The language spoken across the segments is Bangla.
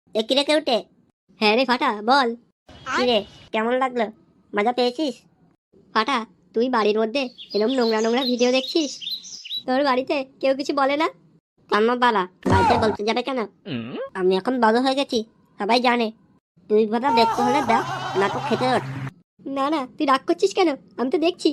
এ কিরে কেউটে? হ্যাঁ রে ফাটা, বল। কিরে, কেমন লাগলো? মজা পেয়েছিস? ফাটা, তুই বাড়ির মধ্যে এরকম নোংরা নোংরা ভিডিও দেখছিস? তোর বাড়িতে কেউ কিছু বলে না? কান্না বালা, বাড়িতে বলতে যাবে কেন? আমি এখন বড় হয়ে গেছি, সবাই জানে। তুই কথা দেখতে হলে দেখ, না তো খেতে ওঠ। না না, তুই রাগ করছিস কেন? আমি তো দেখছি।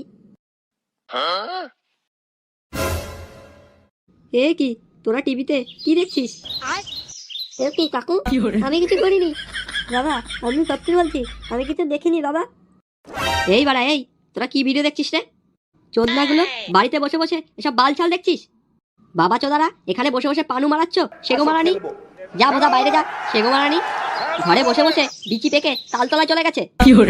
এ কি, তোরা টিভিতে কি দেখছিস? এ কি কাকু, আমি কিছু করিনি। বাবা, আমি সত্যি বলছি, আমি কিছু দেখিনি বাবা। এই বাড়া এই, তোরা কি ভিডিও দেখছিস রে? চোদনাগুলো, বাড়িতে বসে বসে এসব বালছাল দেখছিস? বাবা চোদারা এখানে বসে বসে পানু মারাচ্ছ, সেগো মারানি। যা বোধা বাইরে যা, সেগো মারানি। ঘরে বসে বসে বিচি পেকে তালতলায় চলে গেছে।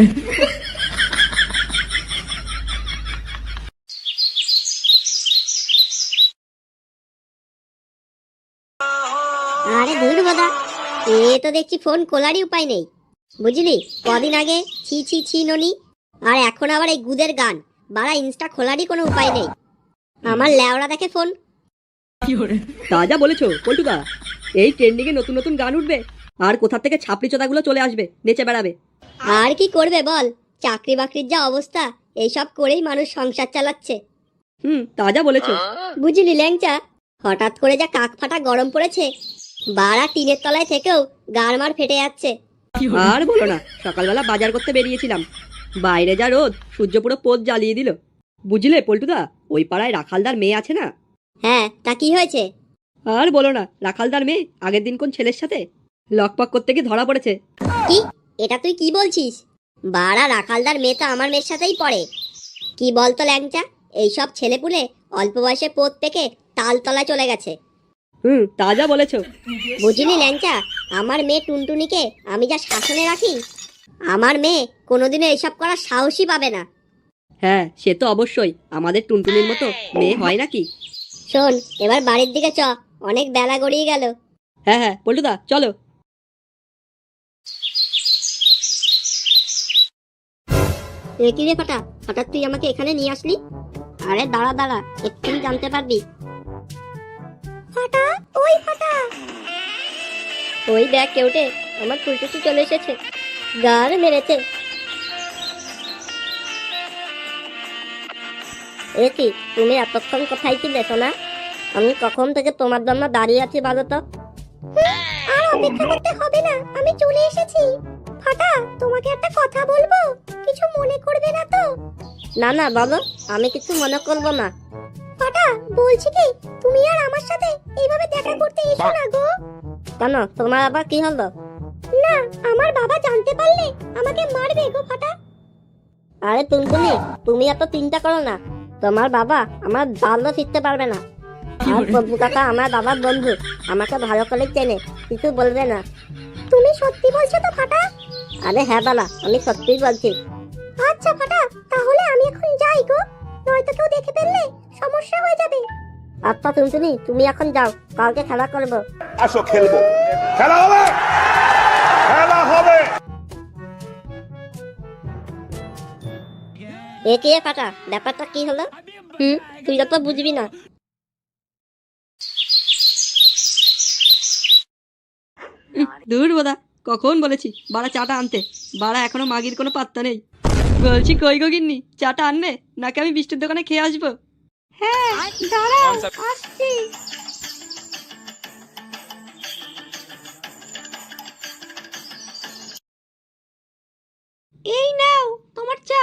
আরে ধুর বোধা, এ তো দেখছি ফোন খোলারই উপায় নেই। বুঝলি, কদিন আগে ছি ছি ছি ননি, আর এখন আবার এই গুদের গান। বাড়া ইনস্টা খোলারই কোনো উপায় নেই। আমার ল্যাওড়া দেখে ফোন। তা যা বলেছো পল্টুদা, এই ট্রেন্ডিং এ নতুন নতুন গান উঠবে, আর কোথা থেকে ছাপড়ি চোদাগুলো চলে আসবে, নেচে বেড়াবে। আর কি করবে বল, চাকরি বাকরির যা অবস্থা, এইসব করেই মানুষ সংসার চালাচ্ছে। তা যা বলেছো। বুঝলি ল্যাংচা, হঠাৎ করে যা কাক ফাটা গরম পড়েছে, বাড়া টিনের তলায় থেকেও গাড়মার ফেটে যাচ্ছে। আর বলো না, সকালবেলা বাজার করতে বেরিয়েছিলাম, বাইরে যা রোদ, সূর্য পুরো পোদ জ্বালিয়ে দিল। বুঝলে পল্টুদা, ওই পাড়ায় রাখালদার মেয়ে আছে না? হ্যাঁ, তা কি হয়েছে? আর বলো না, রাখালদার মেয়ে আগের দিন কোন ছেলের সাথে লকপক করতে গিয়ে ধরা পড়েছে। কি? এটা তুই কি বলছিস? বাড়া রাখালদার মেয়ে তো আমার মেয়ের সাথেই পড়ে। কি বলতো ল্যাংচা, এইসব ছেলেপুলে অল্প বয়সে পোত পেকে তালতলায় চলে গেছে। তা যা বলেছো। বুঝলি ল্যাংচা, আমার মেয়ে টুনটুনিকে আমি যা শাসনে রাখি, আমার মেয়ে কোনোদিনও এসব করার সাহসই পাবে না। হ্যাঁ, সে তো অবশ্যই, আমাদের টুনটুনির মতো মেয়ে হয় নাকি? শোন, এবার বাড়ির দিকে চ, অনেক বেলা গড়িয়ে গেল। হ্যাঁ হ্যাঁ পল্টুদা, চলো। এ কি রে ফাটা, হঠাৎ তুই আমাকে এখানে নিয়ে আসলি? আরে দাঁড়া দাঁড়া, এক্ষুনি জানতে পারবি। ফাটা, ওই ফাটা, ওই দেখ কেউটে, আমার ফুলটুসি চলে এসেছে, গার মেরেছে। এ কি, তুমি এতক্ষণ কোথায় ছিলে সোনা? আমি কখন থেকে তোমার জন্য দাঁড়িয়ে আছি বলো তো। আর অপেক্ষা করতে হবে না, আমি চলে এসেছি। ফাটা, তোমাকে একটা কথা বলবো, কিছু মনে করবে না তো? না না বলো, আমি কিছু মনে করব না। ফাটা, বলছি কি, তুমি আর আমার সাথে এইভাবে দেখা করতে এসো না গো। কেন, তোমার আবার কি হলো? না, আমার বাবা জানতে পারলে আমাকে মারবে গো ফাটা। আরে টুনটুনি, তুমি এত চিন্তা করো না, তোমার বাবা আমার ভালো শিখতে পারবে না। আর প্রভু কাকা আমার বাবার বন্ধু, আমাকে ভালো করে চেনে, কিছু বলবে না। তুমি সত্যি বলছো তো ফাটা? আরে হ্যাঁ বালা, আমি সত্যিই বলছি। আচ্ছা ফাটা, তাহলে আমি এখন যাই গো, নয়তো কেউ দেখে ফেললে সমস্যা হয়ে যাবে। আচ্ছা টুনটুনি, তুমি এখন যাও, কালকে খেলা করবো। আসো খেলবো, খেলা হবে, খেলা হবে। এ কে ফাটা, ব্যাপারটা কি হলো? তুই তো বুঝবি না। দূর বোধা, কখন বলেছি বাড়া চাটা আনতে, বাড়া এখনো মাগির কোনো পাত্তা নেই। বলছি কই গো গিন্নি, চাটা আনবে নাকি আমি বৃষ্টির দোকানে খেয়ে আসবো? হ্যাঁ, দাঁড়াও, আসছি। এই নাও তোমার চা।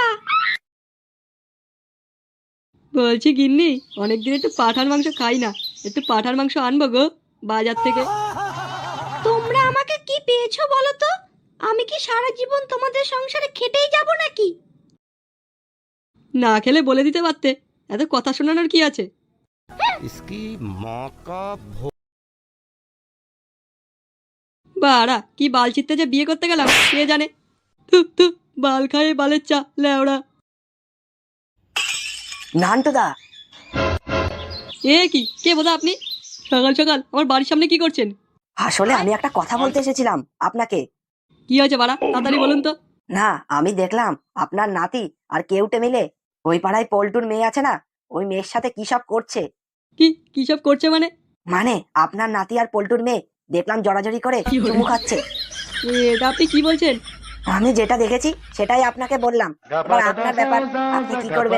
বলছি গিন্নি, অনেকদিন একটু পাঁঠার মাংস খাই না, একটু পাঁঠার মাংস আনবো গো বাজার থেকে। তোমরা আমাকে কি পেয়েছো বলো তো? আমি কি সারা জীবন তোমাদের সংসারে খেটেই যাব নাকি? না খেলে বলে দিতে পারতে, এত কথা শোনানোর কি আছে? इसकी माँ का বাড়া কি বাল ছিটতে যে বিয়ে করতে গেলাম কে জানে। থু থু, বাল খায় বালের চা লেওড়া। নান্টুদা, এ কি, কে বোধা আপনি? সকাল সকাল আমার বাড়ির সামনে কি করছেন? আসলে আমি একটা কথা বলতে এসেছিলাম আপনাকে। কি হয়েছে বাড়া, তাড়াতাড়ি বলুন তো। না, আমি দেখলাম আপনার নাতি আর কেউটে মিলে ওই পাড়ায় পল্টুর মেয়ে আছে না, ওই মেয়ের সাথে কি সব করছে। কি কি সব করছে মানে? মানে আপনার নাতি আর পল্টুর মেয়ে দেখলাম জড়াজড়ি করে চুমু খাচ্ছে। এটা আপনি কি বলছেন? আমি যেটা দেখেছি সেটাই আপনাকে বললাম, এবার আপনার ব্যাপার, আপনি কি করবেন।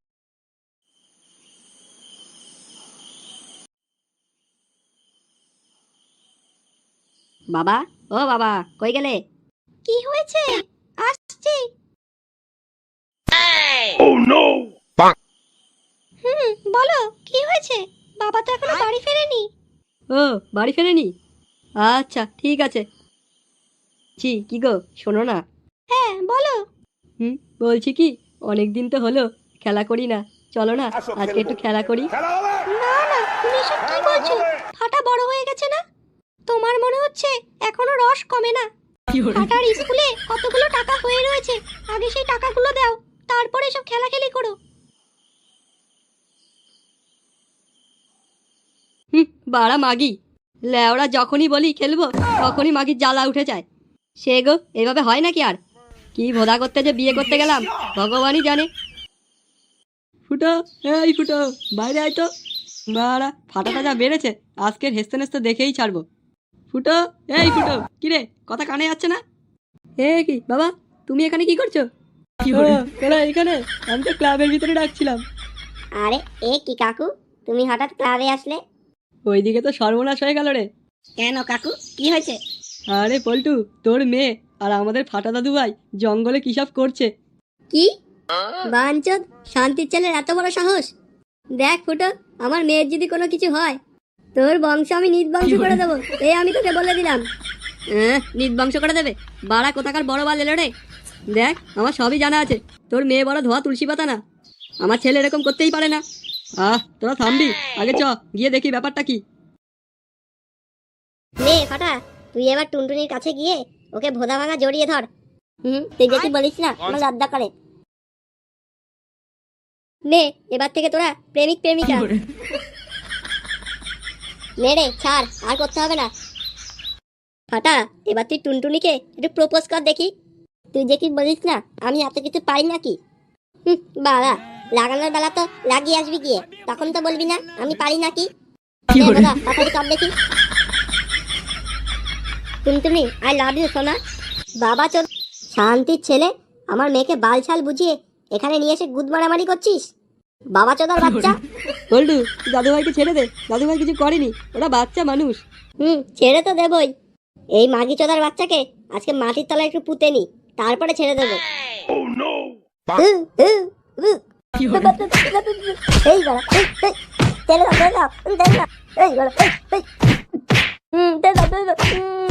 বাবা, ও বাবা, কই গেলে? কি হয়েছে? আসছি। Oh no! বলো কি হয়েছে? বাবা তো এখনো বাড়ি ফেরেনি। ও, বাড়ি ফেরেনি? আচ্ছা ঠিক আছে। কি গো, শোনো না। হ্যাঁ বলো। বলছি কি, অনেক দিন তো হলো খেলা করি না, চলো না আসো, আজকে একটু খেলবো। খেলা করি। খেলা হবে না না, তুমি এসব কি বলছো? ফাটা বড় হয়ে গেছে না? তোমার মনে হচ্ছে এখনো রস কমে না? ফাটার স্কুলে কতগুলো টাকা হয়ে রয়েছে, আগে সেই টাকাগুলো দাও, তারপরে সব খেলাখেলি করো। বাড়া মাগি, লেওরা যখনই বলি খেলবো তখনই মাগির জ্বালা উঠে যায়। সে গো, এইভাবে হয় নাকি আর? কি ভোদা করতে যে বিয়ে করতে গেলাম ভগবানই জানে। ফুটো, এই ফুটো, বাইরে আয় তো। বাড়া ফাটাটা যা বেড়েছে, আজকের হেসতে নেস্তে দেখেই ছাড়বো। ফুটো, এই ফুটো, কিরে কথা কানে যাচ্ছে না? কি বাবা, তুমি এখানে কি করছো? তোরা এখানে? আমি তো ক্লাবের ভিতরে ডাকছিলাম। আরে এ কি কাকু, তুমি হঠাৎ ক্লাবে আসলে? ওইদিকে তো সর্বনাশ হয়ে গেল রে। কেন কাকু, কি হয়েছে? আরে পল্টু, তোর মেয়ে আর আমাদের ফাটা দাদু ভাই জঙ্গলে কি সব করছে। কি বাঞ্চদ, শান্তির ছেলের এত বড় সাহস! দেখ ফুটো, আমার মেয়ের যদি কোনো কিছু হয়, তোর বংশ আমি নির্বংশ করে দেবো, এই আমি তোকে বলে দিলাম। নির্বংশ করে দেবে? বাড়া কোথাকার বড় বাল এলো রে। দেখ, আমার সবই জানা আছে, তোর মেয়ে বড় ধোয়া তুলসী পাতা না। আমার ছেলে এরকম করতেই পারে না। তোরা থামবি? আগে চ, গিয়ে দেখি ব্যাপারটা কি। নে ফাটা, তুই এবার টুনটুনির কাছে গিয়ে ওকে ভোদা ভাঙা জড়িয়ে ধর। তুই যেটি বলিস না আমার লজ্জা করে। নে, এবার থেকে তোরা প্রেমিক প্রেমিকা। নে রে, ছাড়, আর করতে হবে না। ফাটা, এবার তুই টুনটুনিকে একটু প্রপোজ কর দেখি। তুই যে কি বলিস না আমি এত কিছু পারি নাকি? বাবা, লাগানোর বেলা তো লাগিয়ে আসবি গিয়ে, তখন তো বলবি না আমি পারি নাকি। তাড়াতাড়ি কর দেখি। টুনটুনি, আই লাভ ইউ সোনা। বাবা চোদ, শান্তির ছেলে, আমার মেয়েকে বালছাল বুঝিয়ে এখানে নিয়ে এসে গুদ মারামারি করছিস, বাবা চোদার বাচ্চা। পল্টু, তুই দাদুভাইকে ছেড়ে দে, দাদুভাই কিছু করেনি, ওরা বাচ্চা মানুষ। ছেড়ে তো দেবই। এই মাগি চোদার বাচ্চাকে আজকে মাটির তলায় একটু পুঁতে নি, তারপরে ছেড়ে দেবো। Oh no! এই বাড়া, ছেড়ে দাও, ছেড়ে দাও, ছেড়ে দাও, এই বাড়া, এই, ছেড়ে দাও, ছেড়ে দাও।